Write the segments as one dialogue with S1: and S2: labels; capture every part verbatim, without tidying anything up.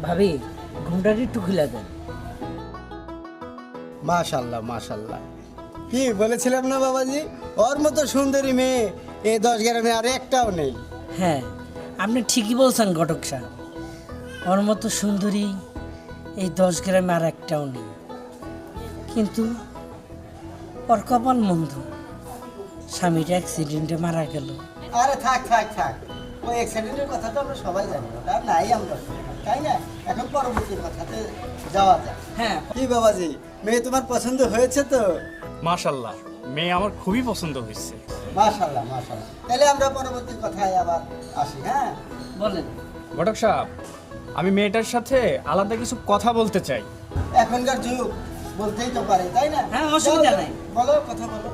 S1: ভাবি ঘুমটা একটু খুলে দেন।
S2: মাশাল্লাহ মাশাল্লাহ, কি বলেছিলাম না বাবাজি, ওর মতো সুন্দরী মেয়ে এই দশ গ্রামে আর একটাও নেই।
S1: হ্যাঁ, আপনি ঠিকই বলছেন ঘটক সাহেব, ওর মতো সুন্দরী এই দশ গ্রামে আর একটাও নেই। কিন্তু ওর কপাল মন্দ, স্বামীটা অ্যাক্সিডেন্টে মারা গেল।
S2: আরে থাক থাক থাক, ওই অ্যাক্সিডেন্টের কথা তো আমরা সবাই জানি, ওটা নাই আমরা, তাই না? এখন পরবর্তী কথাতে যাওয়া যায়।
S1: হ্যাঁ,
S2: কি বাবাজি, মেয়ে তোমার পছন্দ হয়েছে তো?
S3: মাশাল্লাহ, মেয়ে আমার খুবই পছন্দ হয়েছে।
S2: মাশাল্লাহ মাশাল্লাহ, তাহলে আমরা পরবর্তী কথায় আবার আসি। হ্যাঁ
S1: বলেন।
S3: ঘটক সাহেব, আমি মেয়েটার সাথে আলাদা কিছু কথা বলতে চাই।
S2: এখনকার যুগ, বলতেই তো পারে, তাই না?
S1: হ্যাঁ, অসুবিধা নাই।
S2: বলো, কথা বলো।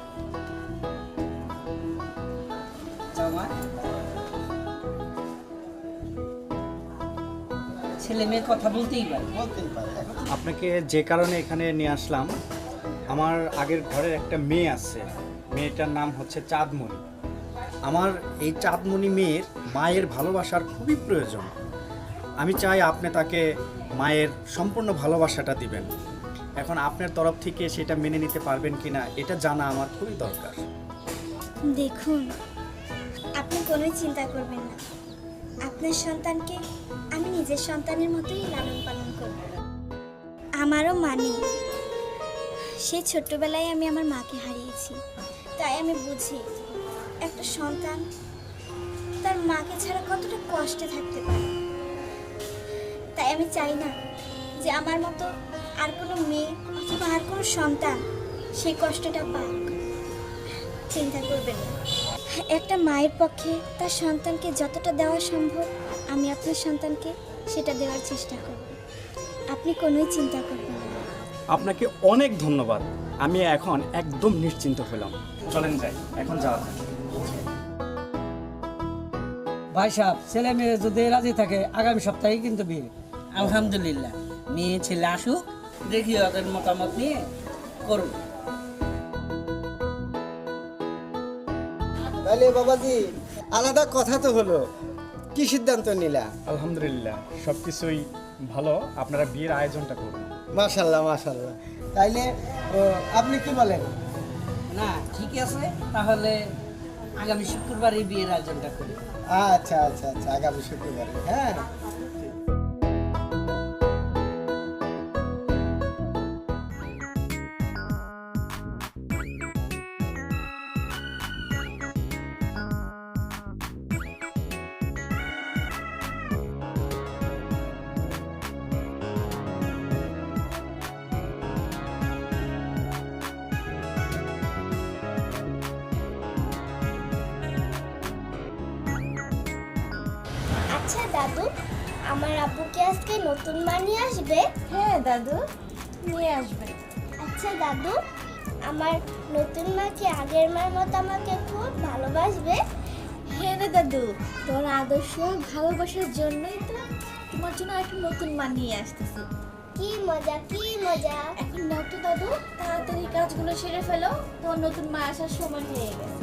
S1: ছেলে মেয়ে কথা বলতেই পারে।
S2: বলতেই পারে। এখন
S3: আপনাকে যে কারণে এখানে নিয়ে আসলাম, আমার আগের ঘরের একটা মেয়ে আছে, মেয়েটার নাম হচ্ছে চাঁদমণি। আমার এই চাঁদমণি মেয়ের মায়ের ভালোবাসার খুবই প্রয়োজন। আমি চাই আপনি তাকে মায়ের সম্পূর্ণ ভালোবাসাটা দিবেন। এখন আপনার তরফ থেকে সেটা মেনে নিতে পারবেন কিনা এটা জানা আমার খুবই দরকার।
S4: দেখুন, আপনি কোনোই চিন্তা করবেন না, আপনার সন্তানকে আমি নিজের সন্তানের মতোই লালন পালন করব। আমারও মা নেই, সেই ছোট্টবেলায় আমি আমার মাকে হারিয়েছি, তাই আমি বুঝি একটা সন্তান তার মাকে ছাড়া কতটা কষ্টে থাকতে পারে। তাই আমি চাই না যে আমার মতো আর কোনো মেয়ে অথবা আর কোনো সন্তান সেই কষ্টটা পাক। চিন্তা করবেন না, একটা মায়ের পক্ষে তার সন্তানকে যতটা দেওয়া সম্ভব আমি আপনার সন্তানকে সেটা দেওয়ার চেষ্টা করব। আপনি কোনোই চিন্তা করবেন না।
S3: আপনাকে অনেক ধন্যবাদ, আমি এখন একদম নিশ্চিন্ত হলাম। চলেন যাই, এখন যাওয়া যাক।
S1: ভাই সাহেব, ছেলে মেয়ে যদি রাজি থাকে আগামী সপ্তাহে কিন্তু বিয়ে। আলহামদুলিল্লাহ, মেয়ে ছেলে আসুক, দেখি ওদের মতামত নিয়ে করুন।
S2: তাহলে বাবাজি, আলাদা কথা তো হলো, কি সিদ্ধান্ত নিলা?
S3: আলহামদুলিল্লাহ, সব কিছুই ভালো, আপনারা বিয়ের আয়োজনটা করুন।
S2: মাশাল্লাহ মাশাল্লাহ, তাইলে ও, আপনি কি বলেন?
S1: না, ঠিক আছে, তাহলে আগামী শুক্রবারই বিয়ের আয়োজনটা করি।
S2: আচ্ছা আচ্ছা আচ্ছা, আগামী শুক্রবারে। হ্যাঁ
S4: আচ্ছা দাদু, আমার আব্বুকে আজকে নতুন মা নিয়ে আসবে?
S5: হ্যাঁ দাদু, নিয়ে আসবে।
S4: আচ্ছা দাদু, আমার নতুন মা কি আগের মার মতো আমাকে খুব ভালোবাসবে?
S5: হ্যাঁ রে দাদু, তোর আদর্শ ভালোবাসার জন্যই তো তোমার জন্য একটা নতুন মা নিয়ে আসতেছি।
S4: কি মজা, কি মজা।
S5: এখন নাও তো দাদু, তাড়াতাড়ি কাজগুলো সেরে ফেলো, তোর নতুন মা আসার সময় হয়ে গেছে।